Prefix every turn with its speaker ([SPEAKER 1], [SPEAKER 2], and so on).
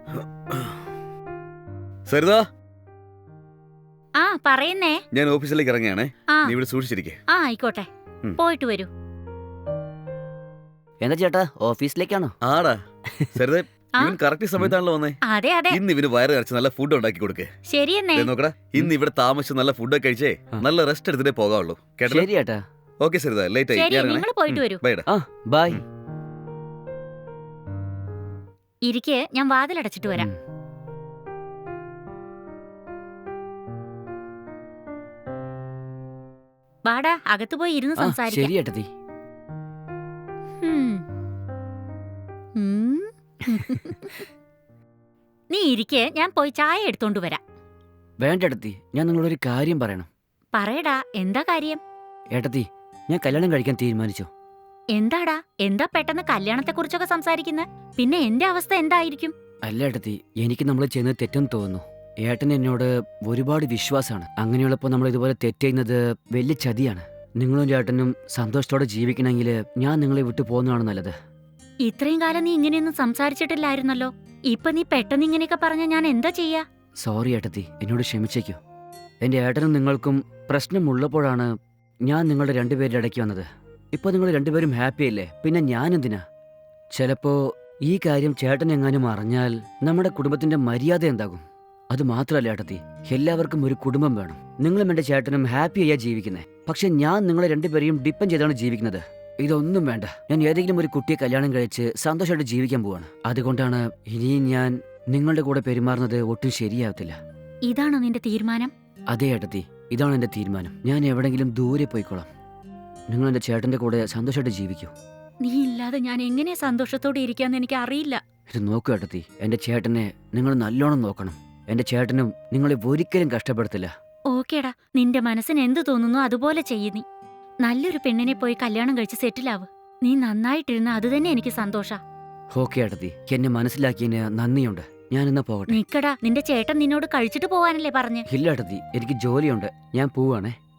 [SPEAKER 1] സരിത,
[SPEAKER 2] ആ പറയുന്നേ.
[SPEAKER 1] ഞാൻ ഓഫീസിലേക്ക് ഇറങ്ങിയാണേ.
[SPEAKER 2] ആ
[SPEAKER 1] നീ ഇവിടെ സൂക്ഷിച്ചിരിക്കേ.
[SPEAKER 2] ആ ആയിക്കോട്ടെ, പോയിട്ട് വരൂ.
[SPEAKER 3] എന്താ ചേട്ടാ, ഓഫീസിലേക്കാണോ?
[SPEAKER 1] ആടാ സരിത,
[SPEAKER 2] ആ?
[SPEAKER 1] ഇവൻ കറക്റ്റ് സമയത്താണല്ലോ വന്നേ.
[SPEAKER 2] അതെ അതെ,
[SPEAKER 1] ഇന്ന് ഇവന് വയറ് നിറച്ച് നല്ല ഫുഡ് ഉണ്ടാക്കി കൊടുക്കേ.
[SPEAKER 2] ശരിയെന്നേ.
[SPEAKER 1] നോക്കടാ, ഇന്ന് ഇവിടെ താമസിച്ച് നല്ല ഫുഡൊക്കെ കഴിച്ചേ നല്ല റെസ്റ്റ് എടുത്തിട്ടേ പോകാവുള്ളൂ. കേട്ടോ?
[SPEAKER 3] ശരി ചേട്ടാ.
[SPEAKER 1] ഓക്കെ സരിത, ലേറ്റ് ആയി.
[SPEAKER 2] ശരി,
[SPEAKER 1] ഞാൻ
[SPEAKER 2] നിങ്ങൾ പോയിട്ട് വരൂ.
[SPEAKER 1] ബൈ.
[SPEAKER 3] ആ ബൈ.
[SPEAKER 2] ഇരിക്കെ, ഞാൻ വാതിലടച്ചിട്ട് വരാം. വാടാ, അകത്ത് പോയി ഇരുന്ന് സംസാരിക്കാം.
[SPEAKER 3] ശരി ഏട്ടത്തി.
[SPEAKER 2] ഉം. ഉം. നീ ഇരിക്കെ, ഞാൻ പോയി ചായ എടുത്തോണ്ട് വരാം.
[SPEAKER 3] വേണ്ട ഏട്ടത്തി, ഞാൻ നിങ്ങളൊരു കാര്യം പറയണം.
[SPEAKER 2] പറയടാ, എന്താ കാര്യം?
[SPEAKER 3] ഏട്ടത്തി, ഞാൻ കല്യാണം കഴിക്കാൻ തീരുമാനിച്ചു.
[SPEAKER 2] എന്താടാ, എന്താ പെട്ടെന്ന് കല്യാണത്തെ കുറിച്ചൊക്കെ സംസാരിക്കുന്നെ? പിന്നെ എന്റെ അവസ്ഥ എന്തായിരിക്കും?
[SPEAKER 3] അല്ല ഏട്ടത്തി, എനിക്ക് നമ്മൾ ചെയ്യുന്നത് തെറ്റെന്ന് തോന്നുന്നു. ഏട്ടൻ എന്നോട് ഒരുപാട് വിശ്വാസമാണ്. അങ്ങനെയുള്ളപ്പോൾ നമ്മൾ ഇതുപോലെ തെറ്റ് ചെയ്യുന്നത് വലിയ ചതിയാണ്. നിങ്ങളും ചേട്ടനും സന്തോഷത്തോടെ ജീവിക്കണമെങ്കിൽ ഞാൻ നിങ്ങളെ വിട്ടു പോകുന്നതാണ് നല്ലത്.
[SPEAKER 2] ഇത്രയും കാലം നീ ഇങ്ങനെയൊന്നും സംസാരിച്ചിട്ടില്ലായിരുന്നല്ലോ. ഇപ്പൊ നീ പെട്ടെന്ന് ഇങ്ങനെയൊക്കെ പറഞ്ഞ ഞാൻ എന്താ ചെയ്യാ?
[SPEAKER 3] സോറി ഏട്ടത്തി, എന്നോട് ക്ഷമിച്ചേക്കൂ. എൻ്റെ ഏട്ടനും നിങ്ങൾക്കും പ്രശ്നമുള്ളപ്പോഴാണ് ഞാൻ നിങ്ങളുടെ രണ്ടുപേരുടെ ഇടയ്ക്ക് വന്നത്. ഇപ്പോൾ നിങ്ങൾ രണ്ടുപേരും ഹാപ്പി അല്ലേ, പിന്നെ ഞാനെന്തിനാ? ചിലപ്പോൾ ഈ കാര്യം ചേട്ടൻ എങ്ങാനും അറിഞ്ഞാൽ നമ്മുടെ കുടുംബത്തിന്റെ മര്യാദ എന്താകും? അത് മാത്രമല്ല ഏട്ടത്തി, എല്ലാവർക്കും ഒരു കുടുംബം വേണം. നിങ്ങളും എൻ്റെ ചേട്ടനും ഹാപ്പി ആയാ ജീവിക്കുന്നത്. പക്ഷെ ഞാൻ നിങ്ങളെ രണ്ടുപേരെയും ഡിപ്പെൻഡ് ചെയ്താണ് ജീവിക്കുന്നത്. ഇതൊന്നും വേണ്ട. ഞാൻ ഏതെങ്കിലും ഒരു കുട്ടിയെ കല്യാണം കഴിച്ച് സന്തോഷമായിട്ട് ജീവിക്കാൻ പോവാണ്. അതുകൊണ്ടാണ് ഇനിയും ഞാൻ നിങ്ങളുടെ കൂടെ പെരുമാറുന്നത് ഒട്ടും ശരിയാവത്തില്ല.
[SPEAKER 2] ഇതാണോ നിന്റെ തീരുമാനം?
[SPEAKER 3] അതെ ഏട്ടത്തി, ഇതാണ് എൻ്റെ തീരുമാനം. ഞാൻ എവിടെങ്കിലും ദൂരെ പോയിക്കോളാം. നിങ്ങൾ എൻ്റെ ചേട്ടൻ്റെ കൂടെ സന്തോഷമായിട്ട് ജീവിക്കൂ.
[SPEAKER 2] നീ ഇല്ലാതെ ഞാൻ എങ്ങനെ സന്തോഷത്തോടെ ഇരിക്കാന്ന് എനിക്ക് അറിയില്ല.
[SPEAKER 3] ഇത് നോക്കൂ ഏട്ടത്തി, എൻ്റെ ചേട്ടനെ നിങ്ങൾ നല്ലോണം നോക്കണം. എൻ്റെ ചേട്ടനും നിങ്ങളെ ഒരിക്കലും കഷ്ടപ്പെടുത്തില്ല.
[SPEAKER 2] ഓക്കേടാ, നിന്റെ മനസ്സിന് എന്ത് തോന്നുന്നു അതുപോലെ ചെയ്യ്. നീ നല്ലൊരു പെണ്ണിനെ പോയി കല്യാണം കഴിച്ച് സെറ്റിലാവ്. നീ നന്നായിട്ടിരുന്ന അത് തന്നെ എനിക്ക് സന്തോഷ.
[SPEAKER 3] ഓക്കെ ഏട്ടത്തി, എന്നെ മനസ്സിലാക്കിയതിന് നന്ദിയുണ്ട്. ഞാൻ എന്നാ പോകട്ടെ.
[SPEAKER 2] നിക്കടാ, നിന്റെ ചേട്ടൻ നിന്നോട് കഴിച്ചിട്ട് പോവാനല്ലേ പറഞ്ഞ്?
[SPEAKER 3] ഇല്ല ഏട്ടത്തി, എനിക്ക് ജോലിയുണ്ട്. ഞാൻ പോവാണേ.